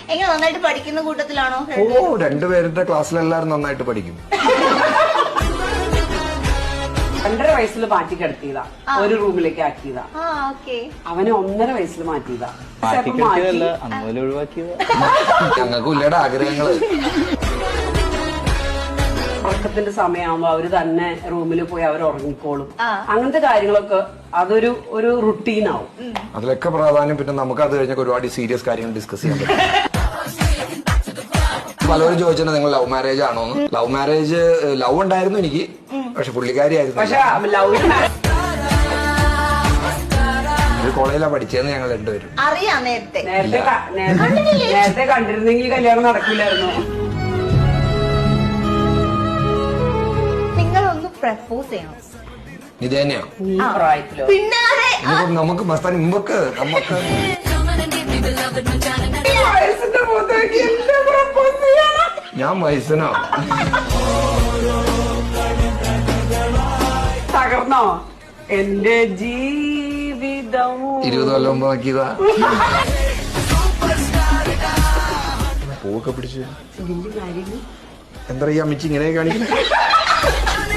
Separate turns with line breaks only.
എങ്ങനെ നന്നായിട്ട് പഠിക്കുന്ന കൂട്ടത്തിലാണോ?
രണ്ടുപേരുടെ ക്ലാസ്സിലെല്ലാരും നന്നായിട്ട് പഠിക്കും.
2.5 വയസ്സിൽ മാറ്റി കിടത്തിയതാ, ഒരു റൂമിലേക്ക് ആക്കിയതാ. അവനെ 1.5 വയസ്സിൽ മാറ്റിയതാ.
ഞങ്ങൾക്കും ഇല്ലയുടെ ആഗ്രഹങ്ങള്.
ഉറക്കത്തിന്റെ സമയമാകുമ്പോ അവര് തന്നെ റൂമിൽ പോയി അവർ ഉറങ്ങിക്കോളും. അങ്ങനത്തെ കാര്യങ്ങളൊക്കെ അതൊരു റുട്ടീനാവും.
അതിലൊക്കെ പ്രാധാന്യം പിന്നെ നമുക്ക് അത് കഴിഞ്ഞ ഒരുപാട് സീരിയസ് കാര്യങ്ങൾ ഡിസ്കസ് ചെയ്യാൻ പറ്റും. പലരും ചോദിച്ചിട്ടുണ്ട് നിങ്ങൾ ലവ് മാരേജ് ആണോന്ന്. ലവ് മാരേജ് ലവ് ഉണ്ടായിരുന്നു എനിക്ക്, പക്ഷെ പുള്ളിക്കാരിയായിരുന്നു. ഒരു കോളേജിലാണ് പഠിച്ചതെന്ന് ഞങ്ങൾ രണ്ടുപേരും
അറിയാം.
നേരത്തെ കണ്ടിരുന്നെങ്കിൽ കല്യാണം നടക്കില്ലായിരുന്നു.
നിങ്ങളൊന്ന് പ്രപ്പോസ് ചെയ്യണം.
ഇത് തന്നെയോ
പ്രായത്തിലോ?
നമുക്ക് മസ്താൻ മുമ്പൊക്കെ നമുക്ക് ഞാൻ വയസ്സനോ
തകർന്നോ എന്റെ ജീവിതം?
20 കൊല്ലം മുമ്പ് നോക്കിയതാ. പൂവൊക്കെ പിടിച്ചു എന്താ ഈ അമ്മച്ചി ഇങ്ങനെ കാണിക്കുന്നത്?